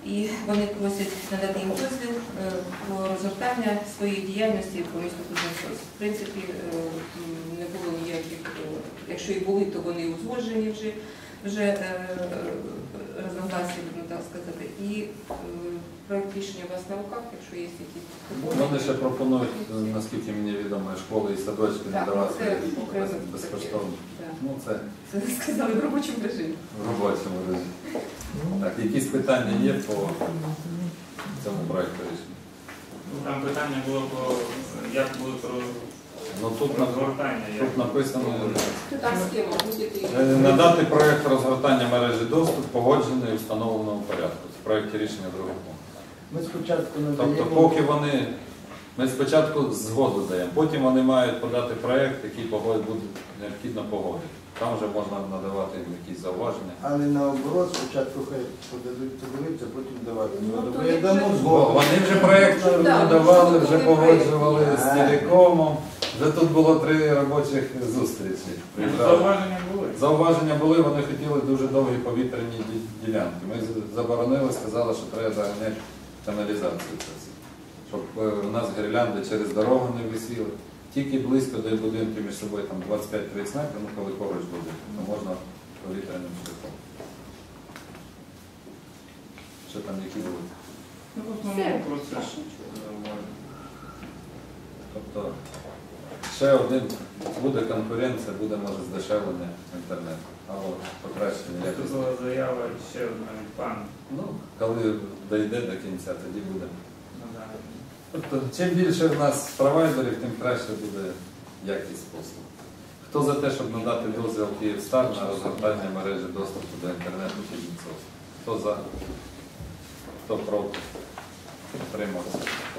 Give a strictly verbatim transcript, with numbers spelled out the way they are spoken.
І вони просять надати їм дозвіл про розгортання своєї діяльності по місту Кузнецовськ. В принципі, не було ніяких, якщо і були, то вони узгоджені вже, вже розногласі, можна так сказати. І проект рішення у вас на руках, якщо є якісь пропозиції. Вони ще пропонують, наскільки мені відомо, школи і садочки надавати безкоштовно. Ну, це, це сказали в робочому режимі. В робочому режимі. Так, якісь питання є по цьому проєкту рішення? Там питання було по, як буде про ну, тут розгортання. Тут написано Там схема, будь-який. надати проєкт розгортання мережі доступ погоджений у встановленому порядку. Це в проєкті рішення другого пункту. Ми спочатку надаємо... Тобто, поки вони, ми спочатку згоду даємо, потім вони мають подати проєкт, який буде необхідно погодити. Там вже можна надавати їм якісь зауваження. Але наоборот, спочатку хай подадуть подивитися, потім давати згоду. Ну, Бо я дамо згоду. Вони вже проєкт надавали, вже погоджували з телекомом. Вже тут було три робочих зустрічі. Зауваження були? Зауваження були, вони хотіли дуже довгі повітряні ділянки. Ми заборонили, сказали, що треба заганяти каналізацію. Щоб у нас гірлянди через дорогу не висіли. Тільки близько до будинків між собою там двадцять п'ять тридцять метрів, ну коли поруч буде, то можна повітряним шляхом. Що там, які були? Ну, в основному процес. Тобто, ще один, буде конкуренція, буде, може, здешевлення інтернету, або покращення Це якості. була заява ще одна від пана. Ну, коли дійде до кінця, тоді буде. Тобто, чим більше в нас провайдерів, тим краще буде якість послуг. Хто за те, щоб надати дозвіл Київстар на розгортання мережі доступу до інтернету Кузнецовськ? Хто за? Хто проти? Утримався.